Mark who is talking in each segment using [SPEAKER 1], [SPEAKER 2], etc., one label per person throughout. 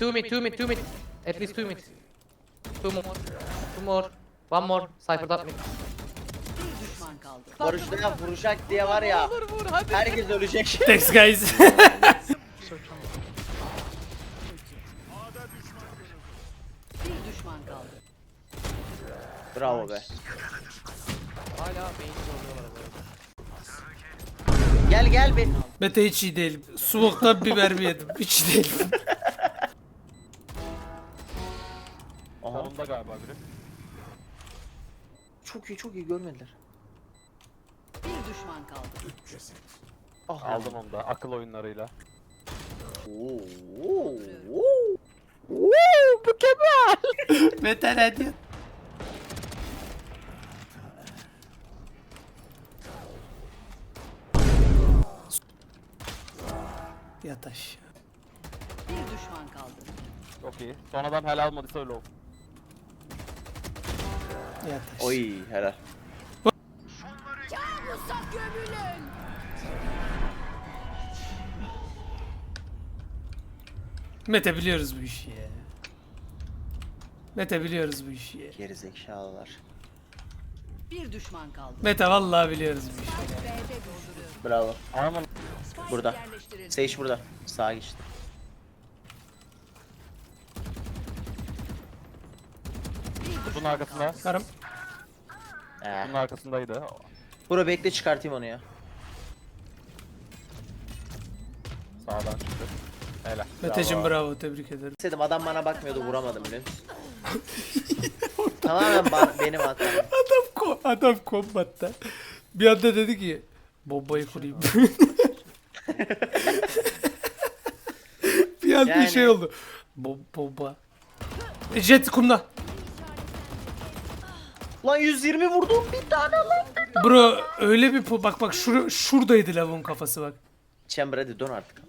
[SPEAKER 1] 2 mid, 2 mid, 2 mid. At least 2 mid. 2 more. 2 more. 1 more. Cypher'dan mid.
[SPEAKER 2] Bir düşman kaldı.
[SPEAKER 3] Barış'ta vuracak diye var ya.
[SPEAKER 1] Vur vur hadi.
[SPEAKER 3] Herkes ölecek.
[SPEAKER 4] Thanks guys.
[SPEAKER 2] Bir düşman kaldı.
[SPEAKER 3] Bravo be.
[SPEAKER 1] Hala beyni zorluyorlar bu.
[SPEAKER 3] Gel gel be.
[SPEAKER 4] Mete hiç iyi değil. Soğuktan bir mermi yedim. Hiç iyi değil.
[SPEAKER 3] Aha.
[SPEAKER 5] Sonunda galiba biri.
[SPEAKER 3] Çok iyi görmediler.
[SPEAKER 2] Bir düşman kaldı.
[SPEAKER 3] Ah.
[SPEAKER 5] Aldım onu da akıl oyunlarıyla.
[SPEAKER 3] Oo.
[SPEAKER 4] Mete ne diyor? Yat aşağı.
[SPEAKER 2] Bir düşman kaldı.
[SPEAKER 5] Çok iyi. Son adam helal almadıysa öyle olsun.
[SPEAKER 4] Yat aşağı.
[SPEAKER 3] Oy helal.
[SPEAKER 4] Mete biliyoruz bu işi ya. Mete biliyoruz bu işi ya.
[SPEAKER 3] Gerizekalılar.
[SPEAKER 2] Bir düşman kaldı.
[SPEAKER 4] Mete vallahi biliyoruz bu işi.
[SPEAKER 2] B'de dolduruyor.
[SPEAKER 3] Bravo.
[SPEAKER 5] Ama
[SPEAKER 3] Burada.
[SPEAKER 2] Yerleştirildi.
[SPEAKER 3] Sage burada. Sağa geçti.
[SPEAKER 5] bunun arkasında.
[SPEAKER 4] Karım.
[SPEAKER 5] Bunun arkasındaydı.
[SPEAKER 3] Bura bekle çıkartayım onu ya.
[SPEAKER 5] Sağdan çıktı. Helal.
[SPEAKER 4] Meteciğim bravo tebrik ederim.
[SPEAKER 3] Dedim adam bana bakmıyordu vuramadım biliyor musun? Tamamen benim hatam.
[SPEAKER 4] Adam kombatta. Bir anda dedi ki bombayı kurayım. Bir anda
[SPEAKER 3] Yani-
[SPEAKER 4] şey oldu. Bomba. Jet kumda.
[SPEAKER 3] Lan 120 vurdum bir tane lan.
[SPEAKER 4] Bro öyle bir bak şuradaydı lavun kafası bak.
[SPEAKER 3] Chamber hadi dön artık.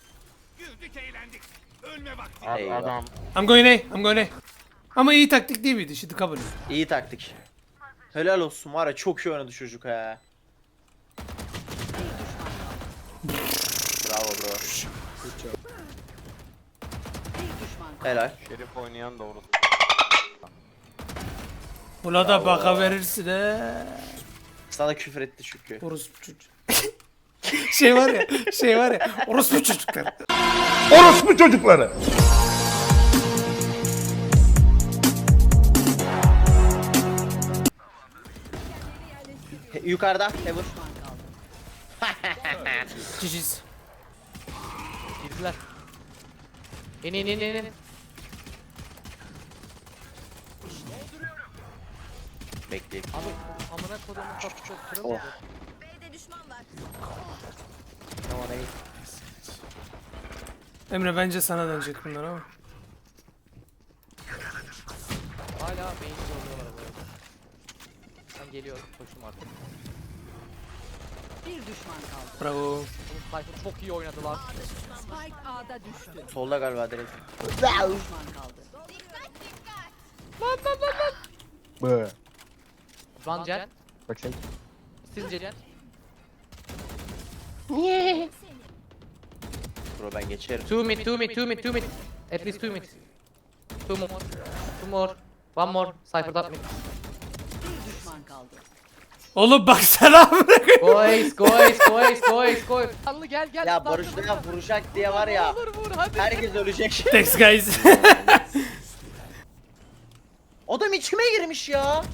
[SPEAKER 3] Eyvah.
[SPEAKER 5] Adam.
[SPEAKER 4] I'm going A. I'm going A. Ama iyi taktik değil miydi? Şimdi kabul et.
[SPEAKER 3] İyi taktik. Helal olsun var ya çok iyi oynadı çocuk ha. Bravo bro.
[SPEAKER 2] Bir düşman kaldı.
[SPEAKER 3] Helal.
[SPEAKER 5] Şerif oynayan doğru.
[SPEAKER 4] Buna da baka verirsin he.
[SPEAKER 3] Sana küfür etti çünkü.
[SPEAKER 4] Orospu çocuk. şey var ya. Orospu çocuklar.
[SPEAKER 6] Orospu çocukları.
[SPEAKER 3] Yukarıda Heaven.
[SPEAKER 2] Düşman kaldı.
[SPEAKER 4] Ciciz.
[SPEAKER 1] Girdiler. İn.
[SPEAKER 3] Bekleyin.
[SPEAKER 1] Abi amına kodumun kapı çok
[SPEAKER 3] Oh.
[SPEAKER 1] kırıldı.
[SPEAKER 3] Tamam iyi.
[SPEAKER 4] Emre bence sana dönecek bunlar ama.
[SPEAKER 1] Hala beyni zorluyorlar bu. Ben geliyorum koşum artık.
[SPEAKER 2] Bir düşman kaldı.
[SPEAKER 4] Bravo.
[SPEAKER 1] Oğlum Cypher çok iyi oynadılar.
[SPEAKER 2] Spike A'da düştü.
[SPEAKER 3] Solda galiba direkt.
[SPEAKER 2] Bir düşman kaldı.
[SPEAKER 5] Bı.
[SPEAKER 1] Run Jet.
[SPEAKER 5] Bakayım.
[SPEAKER 1] Still Jet.
[SPEAKER 3] Bro ben geçerim.
[SPEAKER 1] 2 mid. At least 2 mid. 2 more. 2 more. 1 more. Cypher'dan mid.
[SPEAKER 2] Bir düşman kaldı.
[SPEAKER 4] Oğlum baksana bırak.
[SPEAKER 1] Guys. Canlı gel.
[SPEAKER 3] Ya Barış'ta vuracak diye var ya.
[SPEAKER 1] Vur hadi.
[SPEAKER 3] Herkes ölecek.
[SPEAKER 4] Thanks guys.
[SPEAKER 3] Adam içime girmiş ya.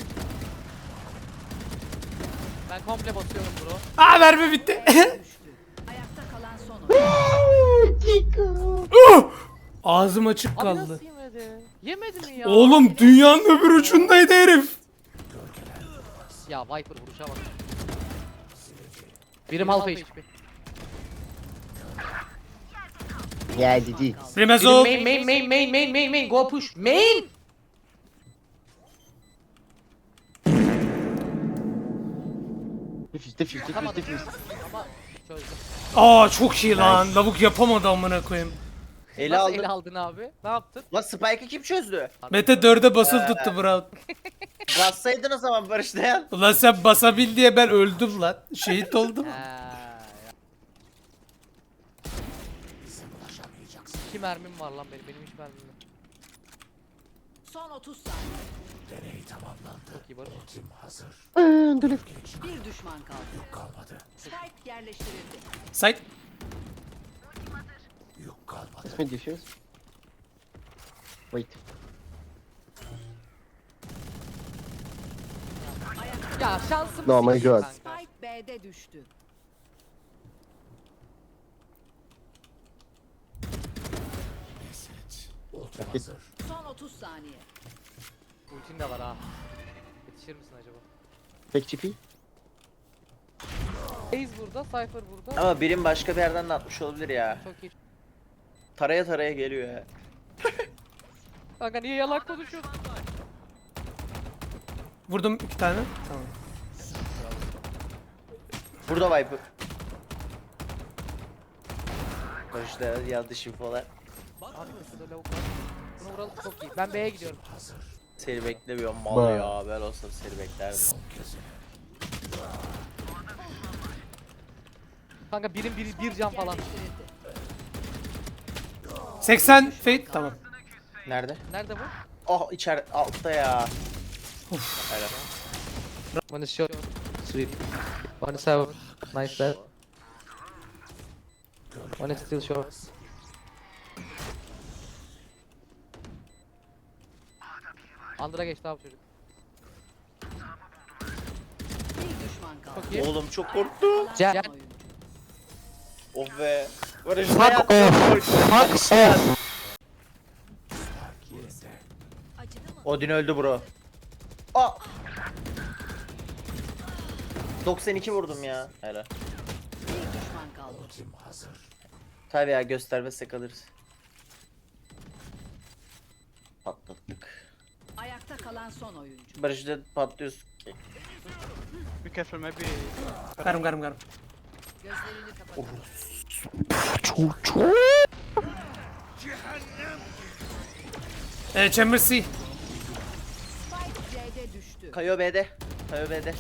[SPEAKER 1] Ben komple basıyorum bro.
[SPEAKER 4] Aa mermi bitti.
[SPEAKER 2] Ayakta kalan son oyun.
[SPEAKER 4] Ağzım açık
[SPEAKER 1] Abi
[SPEAKER 4] kaldı.
[SPEAKER 1] nasıl yemedi? Yemedi mi ya?
[SPEAKER 4] Oğlum dünyanın öbür ucundaydı herif.
[SPEAKER 1] Ya Viper vuruşa bak. Birim half HP.
[SPEAKER 3] Ya ciddi.
[SPEAKER 4] Remezov.
[SPEAKER 1] Main. Go push. Main. Atamadım. Ama çözdüm.
[SPEAKER 4] Aa çok iyi lan. Lavuk yapamadı amına koyayım.
[SPEAKER 3] Eli
[SPEAKER 1] Nasıl
[SPEAKER 3] aldı.
[SPEAKER 1] ele aldın abi? Ne yaptın?
[SPEAKER 3] Lan Spike'ı kim çözdü?
[SPEAKER 4] Mete 4'e basılı tuttu bro.
[SPEAKER 3] Bassaydın o zaman Barış dayan.
[SPEAKER 4] Ulan sen basabil diye ben öldüm lan. Şehit oldum.
[SPEAKER 1] 2 mermim var lan benim hiç mermim yok.
[SPEAKER 2] Son 30 saniye.
[SPEAKER 1] Çok iyi Barış.
[SPEAKER 2] Bir düşman kaldı. Spike yerleştirildi.
[SPEAKER 4] Side.
[SPEAKER 7] Mid diffuse. Wait.
[SPEAKER 1] Ya şansım
[SPEAKER 7] No, my
[SPEAKER 1] sikeyim
[SPEAKER 7] God.
[SPEAKER 1] kanka.
[SPEAKER 2] Spike B'de düştü. Son 30 saniye.
[SPEAKER 1] Ultin de var ha. Yetişir misin acaba?
[SPEAKER 7] Fake TP.
[SPEAKER 1] Ace burada, Cypher burada.
[SPEAKER 3] Ama birim başka bir yerden de atmış olabilir ya.
[SPEAKER 1] Çok iyi.
[SPEAKER 3] Taraya taraya geliyor ya.
[SPEAKER 1] Kanka niye yalan konuşuyorsun?
[SPEAKER 4] Vurdum 2 tane. Tamam.
[SPEAKER 3] Burada Viper. Barış'ta yanlış infolar.
[SPEAKER 1] Abi şurada lavuk var. Bunu vuralım çok iyi. Ben B'ye gidiyorum.
[SPEAKER 3] Seni beklemiyorum mal ya. Ben olsam seni beklerdim.
[SPEAKER 1] Kanka bir can falan.
[SPEAKER 2] Yerleştirildi.
[SPEAKER 4] 80 Fate. Tamam.
[SPEAKER 3] Nerede?
[SPEAKER 1] Nerede bu?
[SPEAKER 3] Oh içeride altta ya. Helal.
[SPEAKER 1] One is short. Sweet. One is out. Nice that. One is still short. Under'a geçti abi çocuk.
[SPEAKER 2] Bir düşman kaldı.
[SPEAKER 1] Çok iyi.
[SPEAKER 3] Oğlum çok korktum.
[SPEAKER 1] Gel.
[SPEAKER 2] Son oyuncu.
[SPEAKER 3] Oh be. Barış ne yaptın? Odin öldü bro. Aa. 92 vurdum ya. Helal.
[SPEAKER 2] Bir düşman kaldı.
[SPEAKER 3] Tabii ya göstermezsek alırız. Patlattık.
[SPEAKER 2] Ayakta kalan son oyuncu.
[SPEAKER 3] Barış'ta patlıyoruz.
[SPEAKER 4] Garım.
[SPEAKER 2] Gözlerini kapatalım.
[SPEAKER 4] Chamber C.
[SPEAKER 2] Spike C'de düştü.
[SPEAKER 3] Kayo B'de. Kayo B'de.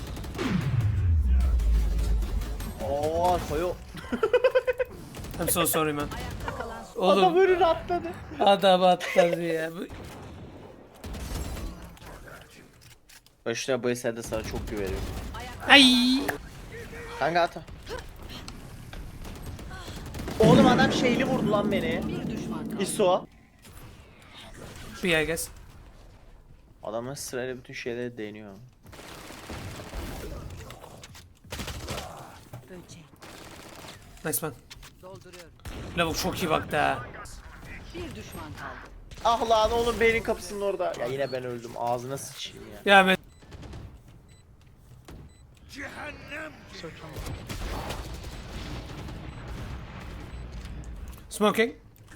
[SPEAKER 3] Oo Kayo.
[SPEAKER 4] I'm so sorry man.
[SPEAKER 2] Ayakta kalan son
[SPEAKER 4] Oğlum
[SPEAKER 3] Önüne atladı.
[SPEAKER 4] adam atladı ya.
[SPEAKER 3] Barış'ta bu eserde sana çok güveniyorum.
[SPEAKER 4] Ay.
[SPEAKER 3] Kanka ata. Oğlum adam şeyli vurdu lan beni.
[SPEAKER 2] bir düşman kaldı.
[SPEAKER 3] ISO.
[SPEAKER 4] B I guess.
[SPEAKER 3] Adamın sırayla bütün şeyleri değiniyor.
[SPEAKER 2] Böcek.
[SPEAKER 4] Nice man.
[SPEAKER 2] Dolduruyorum.
[SPEAKER 4] Lavuk çok iyi baktı ha.
[SPEAKER 2] Bir düşman kaldı.
[SPEAKER 3] Ah lan oğlum beynin kapısının orada. Ya yine ben öldüm. Ağzına sıçayım ya.
[SPEAKER 4] Ya ben. Smoking.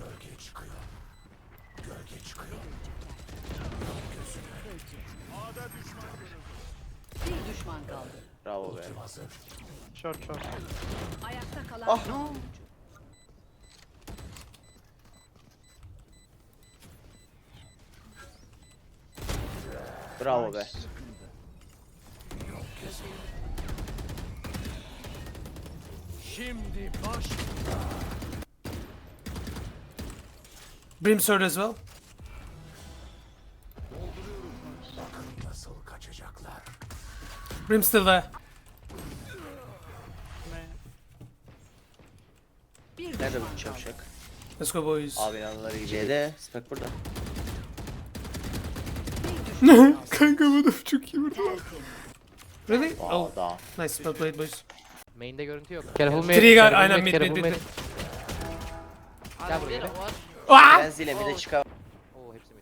[SPEAKER 2] Bir düşman kaldı.
[SPEAKER 3] Bravo be.
[SPEAKER 2] Ayakta kalan
[SPEAKER 3] Ah.
[SPEAKER 2] son oyuncu.
[SPEAKER 3] Bravo be.
[SPEAKER 4] Brimstone as well. Brim still there.
[SPEAKER 2] Bir
[SPEAKER 3] Nerede
[SPEAKER 2] düşman
[SPEAKER 3] bu
[SPEAKER 2] kaldı.
[SPEAKER 3] çavşak?
[SPEAKER 4] Let's go boys.
[SPEAKER 3] Abin anıları gibi. C'de. Spek burada.
[SPEAKER 2] Bir düşman kaldı.
[SPEAKER 4] Kanka bu da çok iyi vurdu.
[SPEAKER 2] Tertemiz.
[SPEAKER 4] Really? Oh,
[SPEAKER 3] Aa daha.
[SPEAKER 4] nice. Well played boys.
[SPEAKER 1] Main'de görüntü yok. Careful mid.
[SPEAKER 4] Trigger
[SPEAKER 1] careful
[SPEAKER 4] aynen mid
[SPEAKER 1] careful
[SPEAKER 4] mid mid.
[SPEAKER 1] Gel buraya. Gel.
[SPEAKER 4] Ah!
[SPEAKER 3] Ben zile bir de çıkar.
[SPEAKER 1] Oo hepsi mid.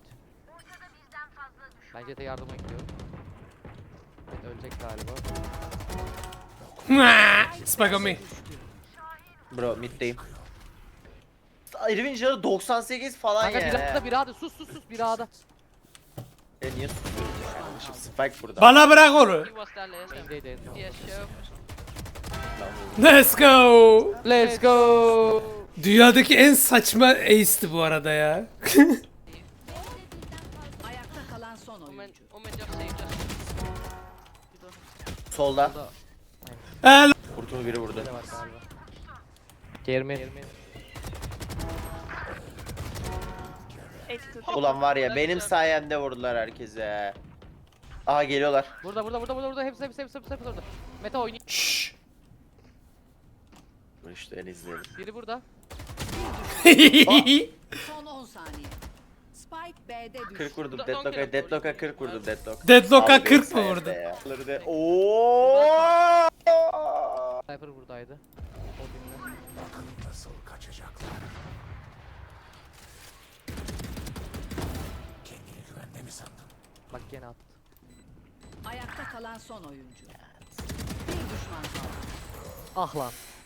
[SPEAKER 1] Ben Jet'e yardıma gidiyorum. Jet ölecek galiba.
[SPEAKER 4] Spike on me.
[SPEAKER 3] Bro middeyim. Irvin canı 98 falan
[SPEAKER 1] Kanka bir A'da
[SPEAKER 3] yani.
[SPEAKER 1] bir A'da sus bir A'da.
[SPEAKER 3] Niye susuyorsun kardeşim? Spike burada.
[SPEAKER 4] Bana bırak onu.
[SPEAKER 1] Main'deydi en son.
[SPEAKER 4] Let's go.
[SPEAKER 1] Let's go.
[SPEAKER 4] Dünyadaki en saçma ace'ti bu arada ya.
[SPEAKER 2] Ayakta kalan son oyuncu.
[SPEAKER 3] Solda.
[SPEAKER 4] El.
[SPEAKER 3] Kurtulu biri vurdu.
[SPEAKER 1] Ne var galiba? Kermin.
[SPEAKER 3] Ulan var ya benim sayemde vurdular herkese. Aha geliyorlar.
[SPEAKER 1] Burada. Hepsi orada. Meta oynuyor.
[SPEAKER 4] Şşş.
[SPEAKER 3] Dur işte en izleyelim.
[SPEAKER 1] Biri burada.
[SPEAKER 2] Son 10 saniye. Spike B'de düştü.
[SPEAKER 3] 40 vurdum
[SPEAKER 1] Don't
[SPEAKER 3] Deadlock'a.
[SPEAKER 1] kill him.
[SPEAKER 3] Deadlock'a 40 vurdum Deadlock.
[SPEAKER 4] Deadlock'a
[SPEAKER 3] Abi
[SPEAKER 4] 40 mı
[SPEAKER 3] sayemde
[SPEAKER 4] vurdu?
[SPEAKER 3] ya. Bunları da- Oo!
[SPEAKER 1] Sniper buradaydı. O dinle.
[SPEAKER 6] Nasıl kaçacaklar? Kendini güvende mi sandın?
[SPEAKER 1] Bak gene attı.
[SPEAKER 2] Ayakta kalan son oyuncu. Bir düşman kaldı.
[SPEAKER 1] Ah lan.